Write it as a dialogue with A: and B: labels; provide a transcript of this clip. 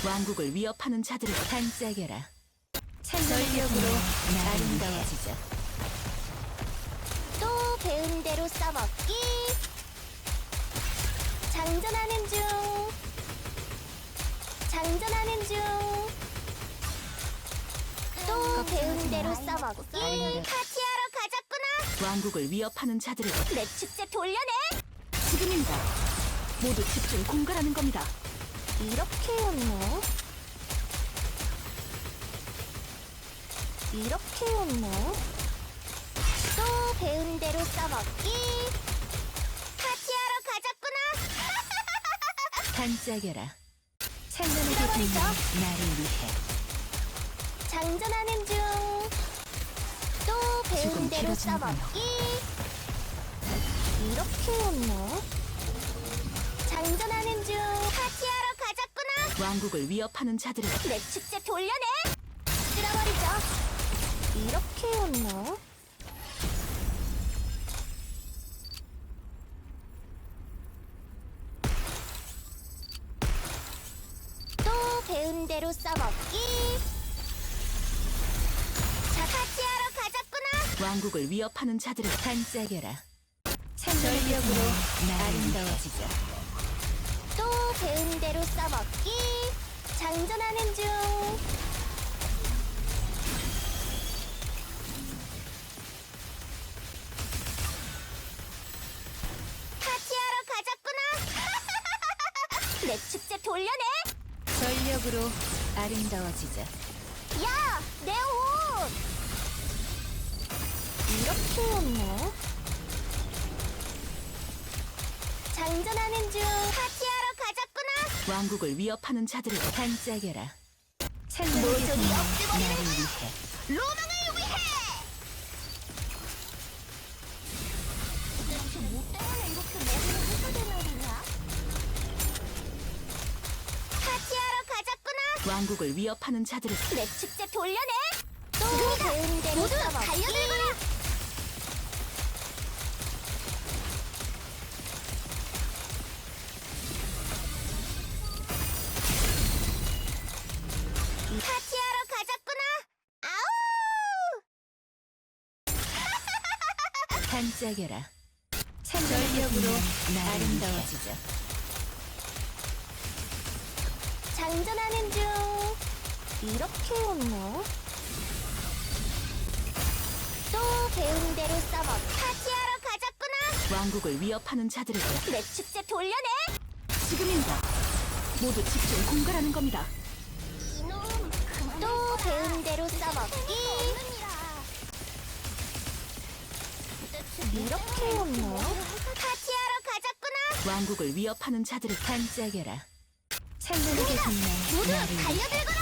A: 왕국을 위협하는 자들을 반짝여라.
B: 전력으로
A: 아름다워지자.
B: 또 배운 대로 써먹기. 장전하는 중. 장전하는 중. 또 배운 대로 써먹기. 파티하러 가자꾸나.
A: 왕국을 위협하는 자들을
B: 내 축제 돌려내.
A: 지금입니다. 모두 집중 공갈하는 겁니다.
B: 이렇게였네. 이렇게였네. 또 배운 대로 써먹기. 파티하러 가자꾸나.
A: 반짝여라. 찬란하게
B: 잃어버리죠.
A: 빛나는 나를 위해.
B: 장전하는 중. 또 배운
A: 조금
B: 대로
A: 길어지는군요.
B: 써먹기. 이렇게였네. 장전하는 중. 파티하러 가자꾸나.
A: 왕국을 위협하는 자들을
B: 내 축제 돌려내. 쓸어버리죠. 이렇게였네. 또 배운 대로 써먹기. 자, 파티하러 가자꾸나.
A: 왕국을 위협하는 자들을 반짝여라.
B: 전력으로
A: 아름다워지자.
B: 또 배운 대로 써먹기. 장전하는 중. 파티하러 가자꾸나. 내 축제 돌려내.
A: 전력으로 아름다워지자.
B: 야, 내 옷. 이렇게였네. 장전하는 중. 파티하러 가자꾸나.
A: 왕국을 위협하는 자들을 반짝여라. 찬란하게
B: 모조리
A: 빛나는
B: 없애버리는
A: 나를 위해.
B: 로망을 위해. 대체 뭐 때문에 이렇게 머리를 휘두르는 거냐? 파티하러 가자꾸나.
A: 왕국을 위협하는 자들을
B: 내 축제 돌려내. 또 배운 대로 모두 달려들거라. 파티하러 가자꾸나. 아우!
A: 반짝여라. 전력으로 아름다워지자.
B: 장전하는 중. 이렇게였네. 또 배운 대로 써먹. 파티하러 가자꾸나.
A: 왕국을 위협하는 자들을
B: 내 축제 돌려내.
A: 지금입니다. 모두 집중 공갈하는 겁니다.
B: 또 배운 대로 써먹기. 이렇게였네. 파티하러 가자꾸나.
A: 왕국을 위협하는 자들을 반짝여라. 찬란하게 빛나는
B: 모두
A: 나를 위해.
B: 달려들거라.